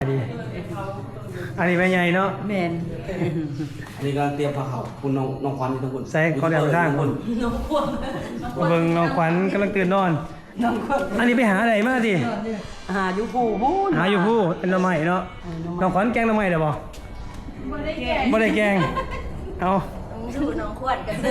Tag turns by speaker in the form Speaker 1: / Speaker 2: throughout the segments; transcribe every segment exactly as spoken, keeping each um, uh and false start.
Speaker 1: ดีอันนี้แม่ใหญ่เนาะ
Speaker 2: แมน
Speaker 3: อันนี้ก็เตรียมผ้าขาวคุณน้องน้องควันอยู่ทั้งคน
Speaker 1: ใส่ขอเดี๋ยวไปทางคนเบิ่งน้องขวัญกำลังตื่นนอนอันนี้ไปหาอะไรมาดิ
Speaker 2: หาอยู่ผู้พูน
Speaker 1: หาอยู่ผู้เป็นหน่อไม้เนาะน้องขวัญแกงหน่อไม้ได้บ่บ่ได้แกงบ่ได้แกงเอา
Speaker 4: ดูน้องขวดกัน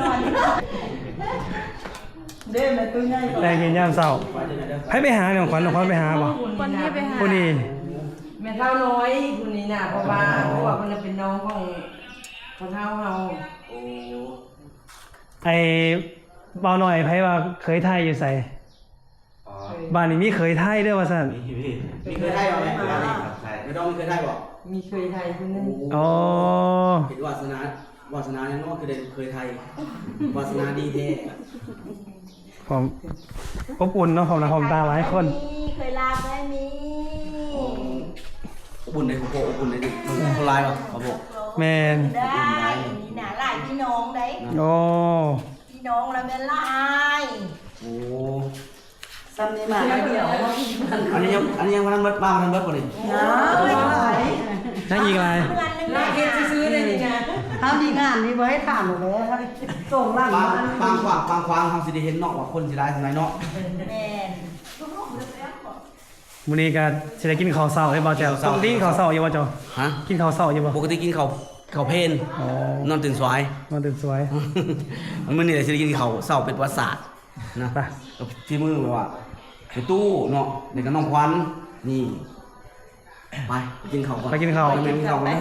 Speaker 2: เด้แม่ตัวใหญ่
Speaker 1: ได้กินยามเช้าให้ไปหาน้องขวัญน้องขวัญไปหาบ่
Speaker 4: คนนี้ไปหา
Speaker 1: ผู้นี้
Speaker 2: แม่เท่าน้อยคนนี้น่ะเพราะว่าเพราะว่ามันเป็นน้องของของเท่าเฮา
Speaker 3: โอ้
Speaker 1: ไอ้เบาหน่อยไผว่าเคยไทยอยู่ไสบ้านนี้มีเคยไทยด้วยว่าซั่น
Speaker 3: มีพี่มีเคยได้บ่ไหมไม่ต้องมีเคยได้บ่
Speaker 2: มีเคยไทยคนนึง
Speaker 1: อ๋อ
Speaker 3: เห็นวาสนาวาสนาเนี่ยน้องคือได้เคยไทยวาสนาดีแท้
Speaker 1: ผมอบอุ่นเนาะผมนะผมตาหลายคน
Speaker 4: เคยลาไหมมี
Speaker 3: อบอุ่นในของโปอบอุ่นในดิคนลายบ่ครับผม
Speaker 1: แมน
Speaker 4: ได้มีหนาหลายพี่น้องได้
Speaker 1: โอ้
Speaker 4: พี่น้องแล้วแม่ลาย
Speaker 3: โอ้
Speaker 2: ซ้ำนี่มาเดียว
Speaker 3: อันนี้ยังอันนี้ยังมาทำเบิดบ้ามาทำเบิดบ่นี่
Speaker 1: นั่งอีกอะไร
Speaker 2: ลากเฮ็ดซื้อๆได้นี่นะถ้ามีงานนี่บ่ให้ถามหมดเลยส่งล่าง
Speaker 3: บาง
Speaker 2: มา
Speaker 3: บางขวางบางขวางเฮาสิได้เห็นเนาะว่าคนสิได้ทำไมเนาะ
Speaker 4: แม่
Speaker 1: มื้อนี้ก็สิได้กินข้าวเช้าได้บ่แจ๋วปกติกินข้าวเช้าอยู่บ่เจ้า
Speaker 3: ฮะ
Speaker 1: กินข้าวเช้าอยู่บ่
Speaker 3: ปกติกินข้าวข้าวเพลนอ๋อนอนตื่นสาย
Speaker 1: นอนตื่นสวย
Speaker 3: มันมื้อนี้สิได้กินข้าวเช้าเป็นประวัติศาสตร์นะไปที่มือแบบว่าไปตู้เนาะเด็กกับน้องควันนี่ไปกินข้าวก่อน
Speaker 1: ไปกินข้าว
Speaker 3: ไปกินข้าวก่อน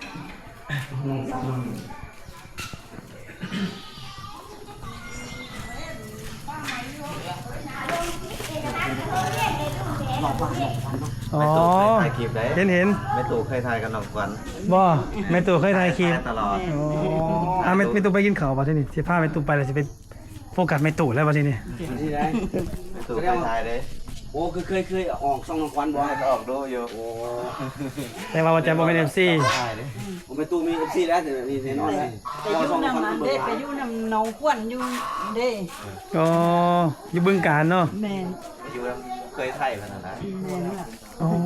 Speaker 1: อ๋อเห็นเห็น
Speaker 5: แม่ตู่เคยทายกับน้องควัน
Speaker 1: บ่แม่ตู่เคยถ่ายคลิป
Speaker 5: ตลอด
Speaker 1: อ๋ออ่ะแม่แม่ตู่ไปกินข้าวบ่ทีนี้สิพาแม่ตู่ไปแล้วสิไปโฟกัสแม่ตู่แล้วบ่ทีนี้
Speaker 3: ที่ได้
Speaker 5: แม่ตู่เคยทายเด้
Speaker 3: โอ้คือเคยเคยออกช่องน้องควันบ่
Speaker 5: ก็ออกดูอยู่
Speaker 3: โอ้
Speaker 1: แต่ว่าบ่จะบ่เป็น เอฟ ซี
Speaker 3: ใช่เด้ผมไปตู้มี เอฟ ซี แล้วแต่มีแน่นอนเลย
Speaker 2: ไปอยู่นำนั้นเด้ไปอยู่นำน้องขวัญอยู่เด้
Speaker 1: อ๋ออยู่บึงกาฬเนาะ
Speaker 2: แม่น
Speaker 5: อยู่แล้วเคยทายขนาดนั้น
Speaker 2: แม่นล่ะ
Speaker 1: อ๋อ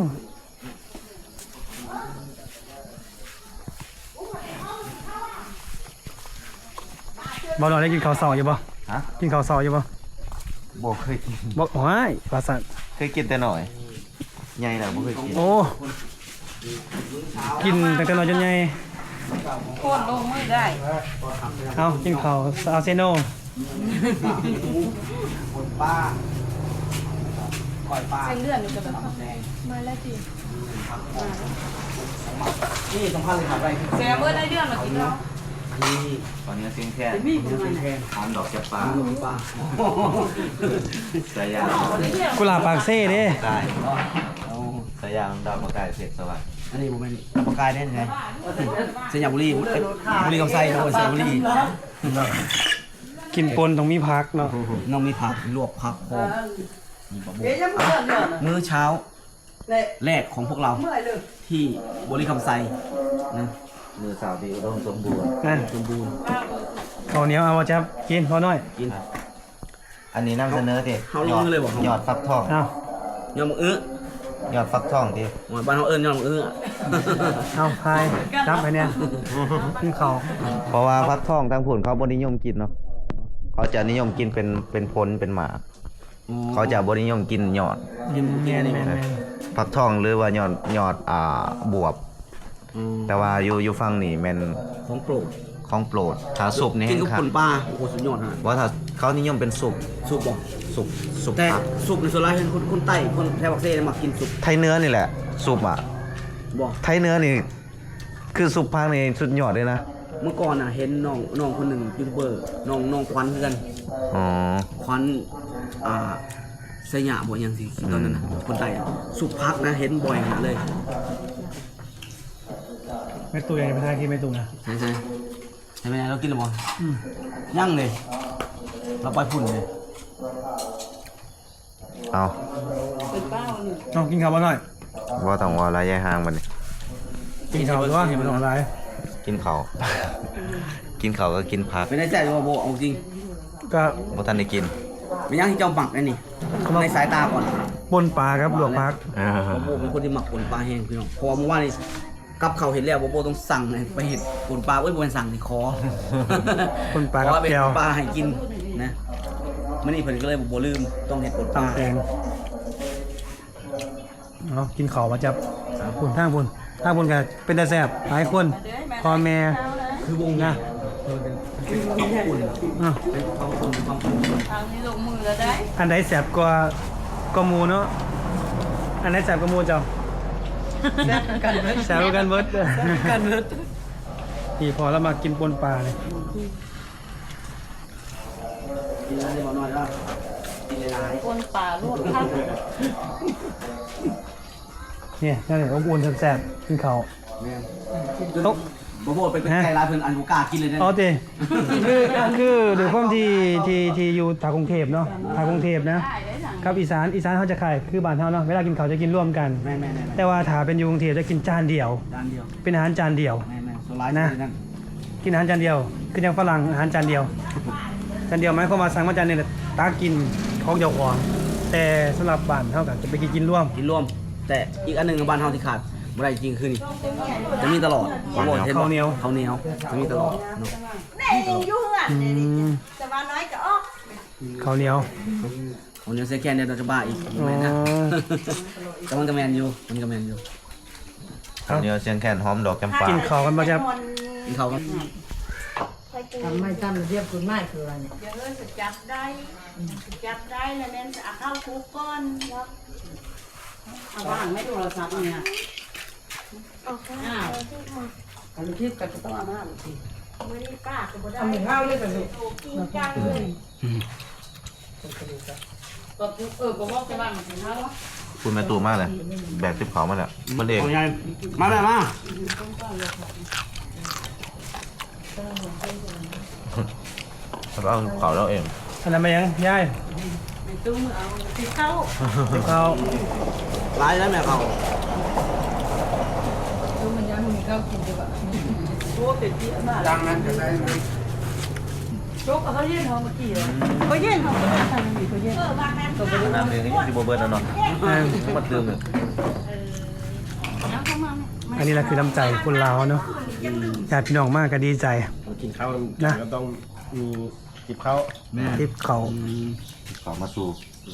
Speaker 1: บ่รอได้กินข้าวเช้าอยู่บ่
Speaker 5: ฮะ
Speaker 1: กินข้าวเช้าอยู่บ่
Speaker 5: บ่เคยกิน
Speaker 1: บ่โอ้ยว่าซั่น
Speaker 5: เคยกินแต่หน่อยใหญ่แล้วบ่เคยกิน
Speaker 1: โอ้กินตั้งแต่น้อยจนใหญ่
Speaker 2: โคตรลงมือได้
Speaker 1: เอากินข้าวเอาเซโน
Speaker 3: คนป้าก่อยป้า
Speaker 4: เส้นเลือดนี่ก็แบบมาแล้วจี
Speaker 3: นี่สำคัญเลยครับอะไร
Speaker 4: แซมเบอร์ได้เรื่องมากินแล้ว
Speaker 3: นี่
Speaker 5: ตอนนี้เสียงแค่ทานดอกจับปลา
Speaker 3: ป้า
Speaker 5: สายยาง
Speaker 1: กุหลาบปากเซ่เด้
Speaker 5: กายสายยางดอกมะกายเสกสวัสดิ์
Speaker 3: อันนี้ผมเป็นปากกายได้ไงเสียงบุรีบุรีกับไส้โอ้เสียงบุรี
Speaker 1: กินปนต้องมีพักเนาะ
Speaker 3: น้องมีผักลวกผักหอมมื้อเช้าแรกของพวกเราที่บริคำไซนะ
Speaker 5: มือสาวดีอุดมสมบูรณ์
Speaker 1: นั่น
Speaker 3: สมบูรณ์
Speaker 1: ข้าวเหนียวเอามาจับกินพอน้อย
Speaker 3: กิน
Speaker 5: อันนี้นำเสนอดิ
Speaker 3: ยอดเลยบอก
Speaker 5: ยอดฟักทอง
Speaker 1: เอา
Speaker 3: ยอดมะอื้
Speaker 5: อยอดฟักทองดิ
Speaker 3: หมดบ้านเขาเอิ้นยอดมะอื้อ
Speaker 1: เอาพายจับไปเนี่ยกินข้าว
Speaker 5: เพราะว่าฟักทองทางผุ่นเขาบ่นิยมกินเนาะเขาจะนิยมกินเป็นเป็นผลเป็นหมากเขาจะบ่นิยมกินยอด
Speaker 3: กินแก่นี่แม่น
Speaker 5: ฟักทองหรือว่ายอดยอดอ่าบวบแต่ว่าอยู่อยู่ฝั่งนี่แม่น
Speaker 3: ของโปรด
Speaker 5: ของโปรดถ้าสุปนี่
Speaker 3: กินกับคนป้าโอ้โหสุดยอดฮะ
Speaker 5: ว่าถ้าเขานิยมเป็นสุป
Speaker 3: สุปบ่
Speaker 5: สุปสุป
Speaker 3: แต่สุปในส่วนใหญ่เป็นคนคนใต้คนแถวบักเซ่มากินสุป
Speaker 5: ไทยเนื้อนี่แหละสุปอ่ะ
Speaker 3: บ่
Speaker 5: ไทยเนื้อนี่คือสุปภาคนี่สุดยอดเลยนะ
Speaker 3: เมื่อก่อนน่ะเห็นน้องน้องคนหนึ่งยูทูบเบอร์น้องน้องควันคือกัน
Speaker 5: อ๋อ
Speaker 3: ควันอ่าสยามบ่ยังสิตอนนั้นน่ะคนใต้สุปพักนะเห็นบ่อยขนาดเลย
Speaker 1: ไม่ตู้ยังไปทานกินไม่ตู้นะ
Speaker 3: ใช่ใช่ใช่ไหมเรากินหรือเปล่ายั่งเลยเราไปพุ่นเลย
Speaker 5: เอา
Speaker 1: เอากินข้าวบ้างหน่อย
Speaker 5: ว่าต้องว่าระยะห่างมันนี่
Speaker 1: กินข้าวหรือว่าเห็นมันอะไร
Speaker 5: กินข้าวกินข้าวก็กินผัก
Speaker 3: ไม่ได้ใจว่าโบเอาจริง
Speaker 1: ก็
Speaker 5: บ่ทันได้กิน
Speaker 3: ไม่ยั่งที่เจ้าบักไอ้นี่ในสายตาก่อน
Speaker 1: ปนปลาครับลวกผัก
Speaker 5: อ่า
Speaker 3: บอโบเป็นคนที่หมักปนปลาแห้งพี่น้องเพราะว่าเมื่อวานนี้กับเขาวเห็นแล้วบอโบต้องสั่งให้ไปเห็ดปนปลาเอ้ยบอเป็นสั่งที่คอ
Speaker 1: ปนปลา
Speaker 3: เพ
Speaker 1: กับ
Speaker 3: ราะว่าเป็น
Speaker 1: แก้ว
Speaker 3: ปลาให้กินนะมื่อนี้เพิ่นก็เลยบอโบลืมต้องเห็ดปนปลา
Speaker 1: ตำแตงเอากินข้าวมาจับพุ่นทางพุ่นทางพุ่นก็เป็นตาแซ่บหลายคนพ่อแม่
Speaker 3: คือวง
Speaker 1: นะ
Speaker 3: เป็นความอุ่น
Speaker 1: อ่ะ
Speaker 3: เป็นความอุ่นความอุ่น
Speaker 4: ทางนี้ลงมือแล้วได้
Speaker 1: อันใดแซ่บกว่าก็หมูเนาะอันใดแซ่บกว่าหมูเจ้า
Speaker 2: กันเบิด
Speaker 1: แซ่บกว่ากันเบิด
Speaker 2: กันเบิด
Speaker 1: นี่พอแล้วมากินปนปลาเลย
Speaker 3: กินอะไรบอน้อยแล้วกินหลาย
Speaker 4: คนป่าลวกผัก
Speaker 1: เนี่ยนั่นแหละอบอุ่นแซ่บๆกินข้าว
Speaker 3: ๆแม่น
Speaker 1: โต๊ะ
Speaker 3: บอโบเป็นไก่ลายเพิ่นอันบุกล้ากินเลยนะ
Speaker 1: อ๋อเตคือคือด้วยความที่ที่ที่อยู่ทางกรุงเทพเนาะทางกรุงเทพนะ
Speaker 4: ได้ได้สั่ง
Speaker 1: กับอีสานอีสานเขาจะขายคือบ้านเขาเนาะเวลากินข้าวจะกินร่วมกัน
Speaker 3: แม่แม่แม่
Speaker 1: แต่ว่าถ้าเป็นอยู่กรุงเทพจะกินจานเดียว
Speaker 3: จานเดียว
Speaker 1: เป็นอาหารจานเดียว
Speaker 3: แม่แม่โซลาร์
Speaker 1: นะ
Speaker 3: นั่น
Speaker 1: กินอาหารจานเดียวคืออย่างฝรั่งอาหารจานเดียวจานเดียวหมายความว่าสั่งมาจานหนึงตากินของเจ้าของแต่สำหรับบ้านเขาก็จะไปกินกินร่วม
Speaker 3: กินรวม แต่อีกอันหนึ่งในบ้านเฮาที่ขาดบ่ได้จริงคือนี่จะมีตลอดบอโบห็บ่
Speaker 1: ข้าวเหนียว
Speaker 3: ข้าวเหนียวจะมีตลอดเนาะ
Speaker 4: แน่ยังอยู่อ่ะ
Speaker 1: อืม
Speaker 4: แต่ว่าน้อยก็ออก
Speaker 1: ข้าวเหนียว
Speaker 3: ข้าวเหนียวเซแกนเดี๋ยวเราจะบ้าอีก
Speaker 1: อ๋อ
Speaker 3: แม่นนะแต่มันก็แมนอยู่มันก็แมนอยู่
Speaker 5: ข้าวเหนียวเชียงแคนหอมดอกแก้มปลา
Speaker 1: กินข้าวกันมาจะ
Speaker 3: กินข้าวกัน
Speaker 2: ทำไม่ทำเรียบคุณไม่คืออะไรเนี่ย
Speaker 4: เดี๋ยวเออจะจับได้จับได้แล้วแม่จะเอาเข้าคุกก่อนแล้ว
Speaker 2: เอาว่างไม่โทรศัพท์เนี่ยอ้าวอันที่กับต้องเอาหน้าสิ
Speaker 4: ไม่ได้ป้าก็บ่ได้
Speaker 2: ทำหนึ่งข้าวเลยแต่ลูก
Speaker 4: กินจังเลย
Speaker 2: ก็เออก็ว่าจะว่างสิข้าว
Speaker 5: คุณแม่ตูมากเลยแบกติบเขามาแล้วมันเอง
Speaker 3: เอาไงมาแม่มา
Speaker 5: แล้วเอาเขาเราเอง
Speaker 1: อันนั้นมายังยาย
Speaker 4: ในตู้มือเอาติดเข้า
Speaker 1: เดี๋ยวข้าว
Speaker 3: ไล่แล้วแม่เขา
Speaker 2: ดูมันยังมีข้าวกินดีกว่า
Speaker 4: โอ้เป็นที่มาก
Speaker 3: ดังนั้นจะได้ไหม
Speaker 4: โจ๊กเขาเย็นเขาเมื่อกี้เหรอเขาเย็นเขาไม่ได้ทำมีเขาเย็นเออวางนั้น
Speaker 5: น้ำเองนี่ที่โบเบิร์ตแล้วเนาะมันเติมเลย
Speaker 4: น้ำเข้ามาไหม
Speaker 1: อันนี้แหละคือน้ำใจคนลาวเนาะญาติพี่น้องมากก็ดีใจ
Speaker 6: กินข้าว
Speaker 1: นะ
Speaker 6: ก็ต้องมีจิบข้าว
Speaker 3: แม่
Speaker 1: ทิปเขา
Speaker 5: เขามาสู่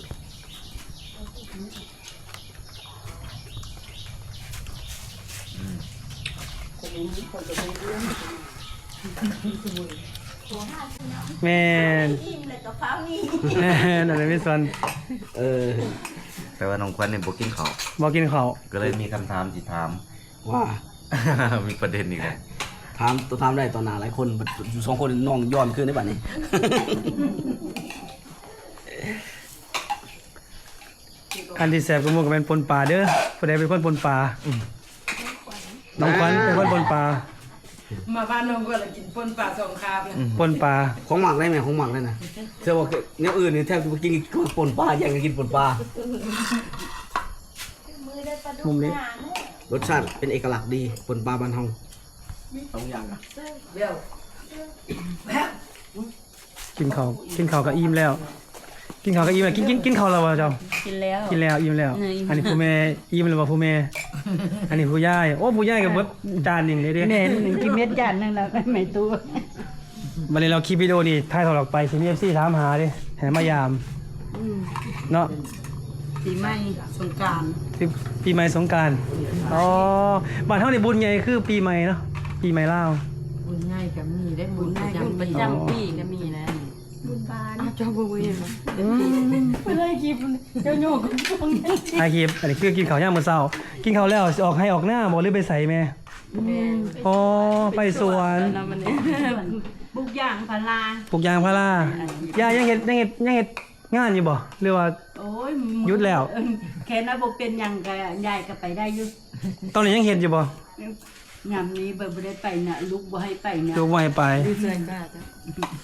Speaker 1: แม่น
Speaker 4: อิ่มเลยกับฟ้านี่
Speaker 1: แม่นอะไรไม่สน
Speaker 3: เออ
Speaker 5: แต่ว่าน้องควันเนี่ยบอกกินเขา
Speaker 1: บอกกินเขาว
Speaker 5: ก็เลยมีคำถามสิถาม
Speaker 3: ว่า
Speaker 5: มีประเด็นอีกแล้ว
Speaker 3: ถามตัวถามได้ตอนหนาหลายคนอยู่สองคนน้องย้อนขึ้นได้ป่ะนี่
Speaker 1: อันที่แสบก็มุกก็เป็นปนปลาเด้อผู้ใดเป็นคนปนปลาน้องควันเป็นคนปนปลา
Speaker 2: มาบ้านน้องก็เลยกินปนปลาสองคาบเลย
Speaker 1: ปนปลา
Speaker 3: ของหมักได้ไหมของหมักได้นะเชื่อว่าเนี้ยอื่นนี่แทบจะกินปนปลาแย่งกันกินปนปลา
Speaker 4: มือได้ปลาดุ
Speaker 1: มุมนี้
Speaker 4: หางเนี่ย
Speaker 3: รสชาติเป็นเอกลักษณ์ดีปนปลาบ้านเฮาสองอย่างอะ
Speaker 2: เดี๋ยว
Speaker 1: กินเขาวกินเขาวก็อิ่มแล้ว กินเขาวก็อิ่มแล้วกินกินกินเขาวแล้ววะเจ้า
Speaker 4: กินแล้ว
Speaker 1: กินแล้วอิ่มแล้ว
Speaker 4: เอออิ่ม
Speaker 1: อันนี้ผู้แม่อิ่มแล้วว่าผู้แม่ อันนี้ผู้ย่ายโอ้ผู้ย่ายกับเบิดจานหนึ่งเลยเด้
Speaker 4: เม็ดหนึ่งกินเม็ดจานหนึงแล้วไม่ตู้
Speaker 1: วันนี้เราคลิปวิดีโอนี่ถ่ายถอดออกไปซีมีเอฟซีถามหาดิแห่มายามเนาะ
Speaker 2: ปีใหม่สงกรานต์
Speaker 1: ปีปีใหม่สงกรารอ๋อบ้านเฮานี่บุญใหญ่คือปีใหม่เนาะปีใหม่ลาว
Speaker 2: บุญง่ายกับมีได้บุ
Speaker 4: บุ
Speaker 2: ญ
Speaker 4: ญ
Speaker 2: ประ
Speaker 4: ให้บุญ
Speaker 2: จำ
Speaker 4: ประ
Speaker 2: ปี
Speaker 4: จำปีก็มีนะบุญบาน
Speaker 2: เจ้าบุญเอง
Speaker 4: ไม่ได้คลิปเจ้าโยกกับพวกนี้
Speaker 1: ถ่ายคลิปอันนี้คือกินข้าวย่างมื้อเช้ากินข้าวแล้วสิออกให้ออกหน้าบ่หรือไปใส่แม่อ๋อไปสวน
Speaker 4: แล้วมันเนี่ยบุกอย่างพารา
Speaker 1: ปลูกยางพาราย่ายังเฮ็ดยังเฮ็ดยังเฮ็ดงานอยู่บ่หรือว่า
Speaker 4: โอ้ย
Speaker 1: หยุดแล้ว
Speaker 4: เออแค่นั้นบ่เป็นหยังก็ยายก็ไปได้อยู่
Speaker 1: ตอนนี้ยังเฮ็ดอยู่บ่
Speaker 4: ยามนี้บ่ได้ไปน่ะลูกบ่ให้ไปน่ะ
Speaker 1: ดูบ่ให้ไป
Speaker 2: ดีใจมากจ้ะ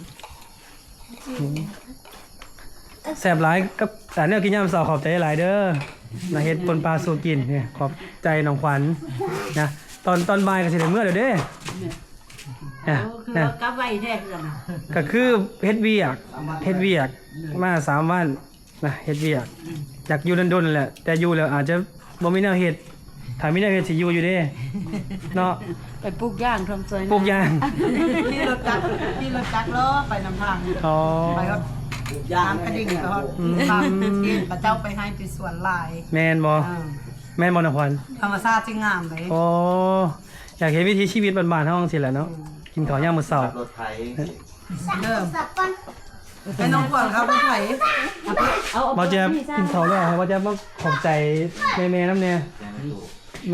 Speaker 1: แซ่บหลายกับแต่แนวกินยามเช้าขอบใจหลายเด้อมาเฮ็ดปนปลาสู่กินเนี่ยขอบใจน้องขวัญนะตอนตอนบ่ายก็สิได้มื้อเด้อเด้
Speaker 4: โอ้
Speaker 1: นะ
Speaker 4: คือ
Speaker 1: นะ
Speaker 4: ว่ากลับไว้แท้จังน่ะ
Speaker 1: ก็คือเฮ็ดเวียกเฮ็ดเวียกมาสามวันนะเฮ็ดเวียกอยากอยู่ดนๆนั่นแหละแต่อยู่แล้วอาจจะบ่มีแนวเฮ็ดถ้ามีแนวเฮ็ดสิอยู่อยู่เด้เนาะ
Speaker 4: ไปปลูกย่างทำซอย
Speaker 1: ปลูกยาง
Speaker 2: ที่รถจักรที่รถจักรล้อไปนำทาง
Speaker 1: อ๋อ
Speaker 2: ไปก็ยามกระดิ่งก็ตามที่พระเจ้าไปให้ไปสวนลาย
Speaker 1: แม่นบ่
Speaker 2: อ่า
Speaker 1: แม่นบ่นะขวัญ
Speaker 2: ธรรมชาติที่งามเลย
Speaker 1: อ๋ออยากเห็นวิถีชีวิตบ้านๆเฮาจังซี่แหละเนาะกินข้าวยามมื้อเช้า
Speaker 5: รถไถ
Speaker 2: เริ่มไอ้น้องขวัญครับผู้ไผ่
Speaker 4: เอา
Speaker 1: บ่แจ๊บกินข้าวแล้วให้บ่แจ๊บมาขอบใจแม่ๆนำแน่มา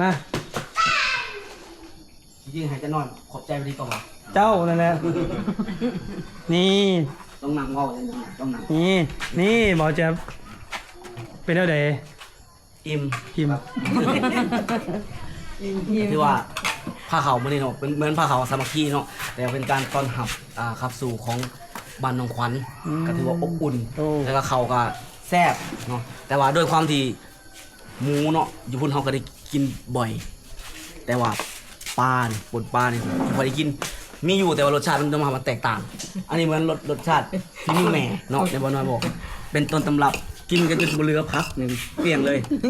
Speaker 3: ยิ่งให้จะนอนขอบใจไปดีกว่า
Speaker 1: เจ้านั่นแหละนี่
Speaker 3: ต้องนั่งเว้าเลยนะต้องนั่ง
Speaker 1: นี่นี่บ่แจ๊บเป็นแนวใด
Speaker 3: อิ่ม
Speaker 1: กิม
Speaker 3: ที่ว่าผ้าขาวมื้อนี้เนาะเป็นเหมือนผ้าขาวสามัคคีเนาะแต่เป็นการต้อนรับอ่าขับสู่ของบ้านหนองขวัญก็ถือว่าอบอุ่น
Speaker 1: โอ้
Speaker 3: แล้วก็เขาก็แซ่บเนาะแต่ว่าด้วยความที่หมูเนาะอยู่พุ่นเขาก็ได้กินบ่อย แต่ว่าปลาเนี่ยปนปลาเนี่ยพอได้กินมีอยู่แต่ว่ารสชาติมันจะมามันแตกต่าง อันนี้เหมือนรสรสชาติที่มีแหม่เนาะในบอน้อยบอก เป็นต้นตำรับกินกันจนบ่เหลือพักหนึ่งเปลี่ยงเลย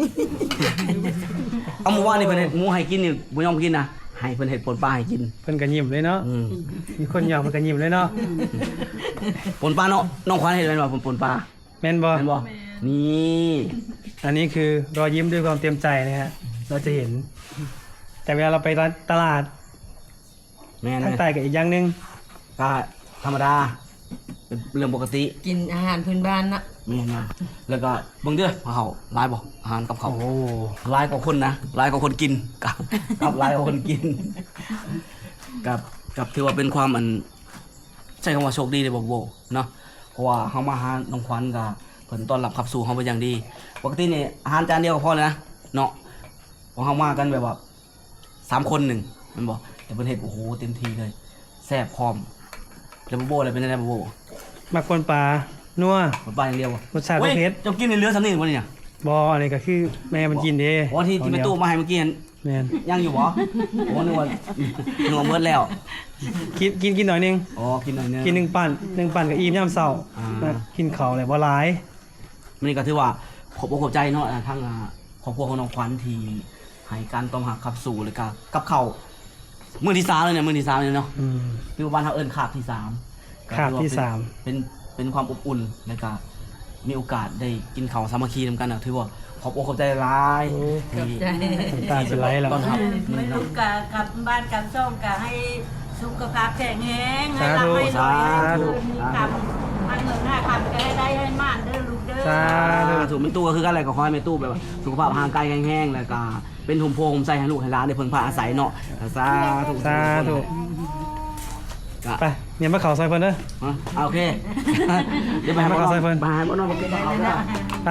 Speaker 3: เอาหมูว่านี่เพิ่นเฮ็ดหมูให้กินนี่บ่ยอมกินนะให้เพิ่นเฮ็ดปนปลาให้กิน
Speaker 1: เพิ่นก็ยิ้มเลยเนาะ
Speaker 3: อืม
Speaker 1: มีคนอยากเพิ่นก็ยิ้มเลยเนาะ
Speaker 3: ปนปลาเนาะน้องขวัญเฮ็ดแม่นบ่ปนปนปลา
Speaker 1: แม่นบ่
Speaker 3: แม่นบ่นี่
Speaker 1: อันนี้คือรอยยิ้มด้วยความเต็มใจนะฮะเราจะเห็น แต่เวลาเราไปร้านตลาด
Speaker 3: แม่น
Speaker 1: ทางใต้ก็อีกอย่างหนึง
Speaker 3: ก็ธรรมดาเป็นเรื่องปกติ
Speaker 4: กินอาหารพื้นบ้านนะ
Speaker 3: แม่นนะแล้วก็เบิ่งเด้อเขาหลายบ่อาหารกับเขาว
Speaker 1: โอ้
Speaker 3: หลายกว่าคนนะหลายกว่าคนกิน กับกับหลายกว่าคนกิน กับกับถือว่าเป็นความอันใช้คำว่าโชคดีเลยบอกโบเนาะเพราะว่าเฮามาหาน้องขวัญก็เพิ่นต้อนรับขับสู่เฮาเป็นอย่างดีปกตินี่อาหารจานเดียวก็พอแล้วนะเนาะเพราะเฮามากันแบบว่าสามคนหนึ่งแมันบอกแต่เพิ่นเฮ็ดโอ้โหเต็มที่เลยแซ่บพร้อมแล้วบ่โบอะไรเป็นได้บ่โบ
Speaker 1: มักคนปลานัว
Speaker 3: บ่ปลาอย่างเดียวบ่
Speaker 1: รสชาติบ่เผ็ด
Speaker 3: เจ้ากินในเรือสำนีบ่เนี่ย
Speaker 1: บออันนี้ก็คือแม่มันกินเด้
Speaker 3: อ๋อที่ที่แม่ตู้มาให้เมื่อกี้เห็น
Speaker 1: แม่น
Speaker 3: ยังอยู่บ่โอ้นึกว่านึกว่าเบิดแล้ว
Speaker 1: กินกินกินหน่อยหนึง
Speaker 3: อ๋อกินหน่อยนึง
Speaker 1: กินหนึ่งปั่นหนึ่งปั่นกับอิ่มยามเช้า
Speaker 3: อ่า
Speaker 1: นะกินข้าวเลยบ่หลาย
Speaker 3: มันนี่ก็ถือว่าขอบอกขอบใจเนาะอ่าทั้งอ่าครอบครัวของน้องขวัญที่ให้การต้อนรับขับสู่เลยก็กับเขาวมื้อที่สามเลยเนี่ยมื้อที่สามเลยเนาะ
Speaker 1: อืม
Speaker 3: คือบ้านเฮาเอิ้นคาบที่สามก็
Speaker 1: คาบ
Speaker 3: ถือว่
Speaker 1: ที่สาม
Speaker 3: เป็นเป็นความอบอุ่นแล้วก็มีโอกาสได้กินข้าวสามัคคีนำกันน่ะถือว่าขอบอกขอบใจหลายที่
Speaker 1: น้ำตาจะไหลแล้ว
Speaker 3: ต้อนรับ
Speaker 4: ไม่
Speaker 3: นี่
Speaker 4: รู้
Speaker 3: เนาะ
Speaker 4: กะกลับบ้านกลับช่องกะให้สุขภาพแข็งแรงให้
Speaker 1: สาธุ
Speaker 4: ร่ำให้รวยให้
Speaker 1: สาธุ
Speaker 4: คืนมีคำมันเงินห้าคำก็ให้ได้ให้มากเด้อลูกเด้อ
Speaker 1: สาธุ
Speaker 3: อ่าถูกแม่ตู้ก็คือกันอะไรก็ขอให้แม่ตู้แบบว่าสุขภาพห่างไกลแห้งๆแล้วก็เป็นหุมโพงใส่ให้ลูกให้หลานได้เพิ่งพาอาศัยเนาะสาธุ
Speaker 1: สาธุ
Speaker 3: ก็
Speaker 1: ไปเนี่ยมาเข่าซอยเพิ่นเด้อ
Speaker 3: อ่ะเอาโอเค เดี๋ยวไปหาบ้านน
Speaker 1: มาเอาใส่เพิ่น
Speaker 3: ไปหาบ้านนอกมาเก็บกระเป๋าด้วย
Speaker 1: ไป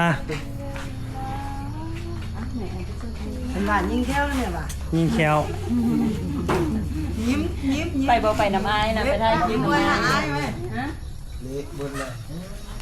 Speaker 2: เป็นหลานยิ่งแค่วเลยเนี่ยว่ะ
Speaker 1: ยิงแคว
Speaker 2: ยิ้มยิ้มยิ้ม
Speaker 4: ไปบ่ไปน้ำอายนะไปได้
Speaker 2: ยิ้
Speaker 4: ยิ้
Speaker 2: ม
Speaker 4: ม
Speaker 2: ไว้
Speaker 4: น้ำ
Speaker 2: หา
Speaker 4: อาย
Speaker 2: อ้ายไหม
Speaker 6: นี่บุญเลย
Speaker 2: ฮ